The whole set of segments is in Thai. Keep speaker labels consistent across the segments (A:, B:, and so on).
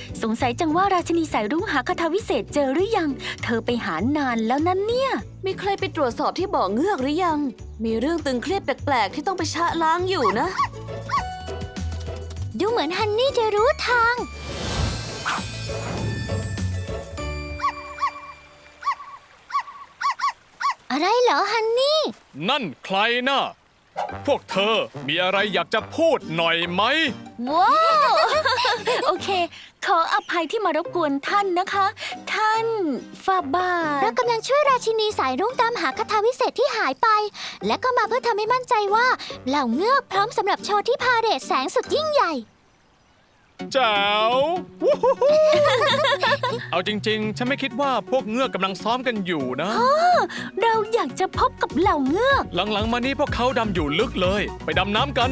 A: สงสัยจังว่าราชินีสายรุ้งหาคาถาวิเศษเจอหรือยังเธอไปหานานแล้วนั้นเนี่ย
B: มีใครไปตรวจสอบที่บ่อเงือกหรือยังมีเรื่องตึงเครียดแปลกๆที่ต้องไปชะล้างอยู่นะ
C: ดูเหมือนฮันนี่จะรู้ทางอะไรเหรอฮันนี่
D: นั่นใครน่ะพวกเธอมีอะไรอยากจะพูดหน่อยไหม
A: ว้าวโอเคขออภัยที่มารบกวนท่านนะคะ ท่านฟาบา
C: เรากำลังช่วยราชินีสายรุ้งตามหาคาถาวิเศษที่หายไปและก็มาเพื่อทำให้มั่นใจว่าเหล่าเงือกพร้อมสำหรับโชว์ที่พาเหรดแสงสุดยิ่งใหญ่
D: แจ๋ว เอาจริงๆฉันไม่คิดว่าพวกเงือกกำลังซ้อมกันอยู่นะ
A: เราอยากจะพบกับเหล่าเงือก
D: หลังๆมานี้พวกเขาดำอยู่ลึกเลยไปดำน้ำกัน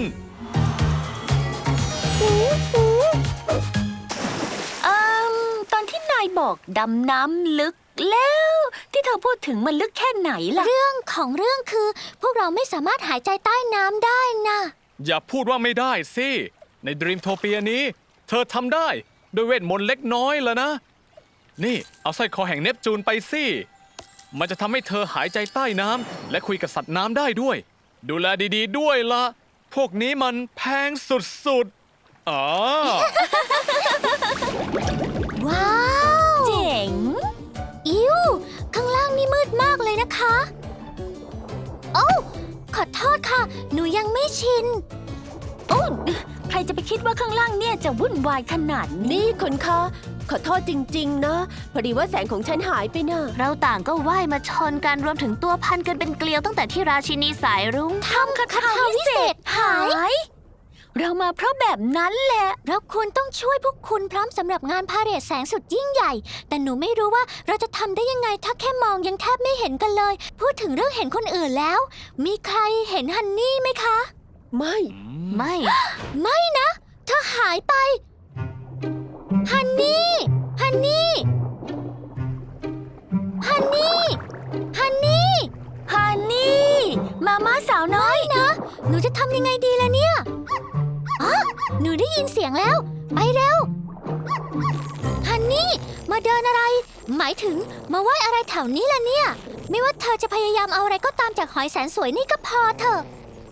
A: ตอนที่นายบอกดำน้ำลึกแล้วที่เธอพูดถึงมันลึกแค่ไหนล่ะ
C: เรื่องของเรื่องคือพวกเราไม่สามารถหายใจใต้น้ำได้นะ
D: อย่าพูดว่าไม่ได้สิในดรีมโทเปียนี้เธอทำได้ด้วยเวทมนต์เล็กน้อยแล้วนะนี่เอาสร้อยคอแห่งเนปจูนไปสิมันจะทำให้เธอหายใจใต้น้ำและคุยกับสัตว์น้ำได้ด้วยดูแลดีๆด้วยละพวกนี้มันแพงสุดๆอ๋อ
C: ว้าว
A: เจ๋ง
C: อิวข้างล่างนี่มืดมากเลยนะคะโอ้ขอโทษค่ะหนูยังไม่ชิน
A: โอ้ใครจะไปคิดว่าข้างล่างเนี่ยจะวุ่นวายขนาดนี้
B: นี่คุณคะขอโทษจริงๆนะพอดีว่าแสงของฉันหายไปนะ
C: เราต่างก็ว่ายมาชนกันรวมถึงตัวพันกันเป็นเกลียวตั้งแต่ที่ราชินีสายรุ้ง
A: ทำคาถาวิเศษหายเรามาเพราะแบบนั้นแหละ
C: เราควรต้องช่วยพวกคุณพร้อมสำหรับงานพาเหรดแสงสุดยิ่งใหญ่แต่หนูไม่รู้ว่าเราจะทำได้ยังไงถ้าแค่มองยังแทบไม่เห็นกันเลยพูดถึงเรื่องเห็นคนอื่นแล้วมีใครเห็นฮันนี่ไหมคะ
B: ไม่
C: ไม่นะเธอหายไปฮันนี่ฮันนี่ฮันนี่ฮันนี่
A: ฮันนี่มาม่าสาวน้อย
C: นะหนูจะทำยังไงดีล่ะเนี่ยหนูได้ยินเสียงแล้วไปเร็วฮันนี่มาเดินอะไรหมายถึงมาไหว้อะไรแถวนี้ล่ะเนี่ยไม่ว่าเธอจะพยายามเอาอะไรก็ตามจากหอยแสนสวยนี่ก็พอเถอะ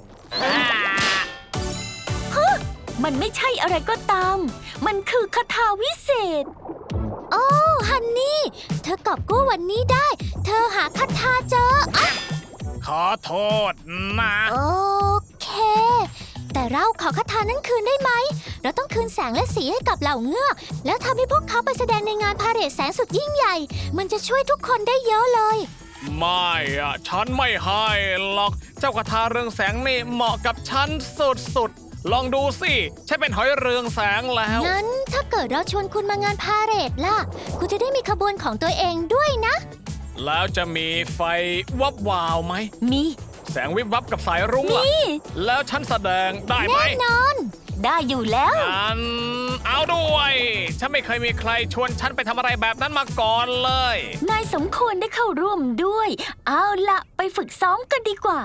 A: มันไม่ใช่อะไรก็ตามมันคือคาถาวิเศษ
C: โอ้ฮันนี่เธอกอบกู้วันนี้ได้เธอหาคาถาเจอ
D: ขอโทษนะ
C: โอเคแต่เราขอคาถานั้นคืนได้ไหมเราต้องคืนแสงและสีให้กับเหล่าเงือกแล้วทำให้พวกเขาไปแสดงในงานพาเหรดแสงสุดยิ่งใหญ่มันจะช่วยทุกคนได้เยอะเลย
D: ไม่ฉันไม่ให้หรอกเจ้าคาถาเรืองแสงนี่เหมาะกับฉันสุดๆลองดูสิฉันเป็นหอยเรืองแสงแล้ว
C: งั้นถ้าเกิดเราชวนคุณมางานพาเหรดล่ะคุณจะได้มีขบวนของตัวเองด้วยนะ
D: แล้วจะมีไฟวับวาวไหม
A: มี
D: แสงวิบวับกับสายรุ้งล่ะแล้วฉันแสดงได้ไหม
C: แน่นอน
A: ได้อยู่แล้ว
D: เอาด้วยฉันไม่เคยมีใครชวนฉันไปทำอะไรแบบนั้นมาก่อนเลย
A: นายสมควรได้เข้าร่วมด้วยเอาละไปฝึกซ้อมกันดีกว่า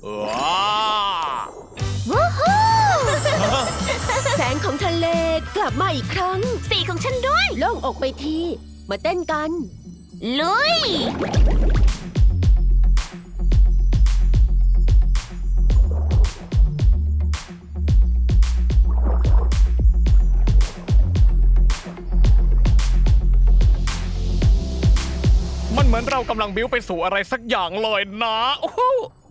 C: วู้ฮู้
B: แสงของทะเลกลับมาอีกครั้ง
A: สีของฉันด้วย
B: โล่งอกไปทีมาเต้นกัน
A: ลุย
D: มันเหมือนเรากำลังบิ้วไปสู่อะไรสักอย่างเลยนะโอ้โห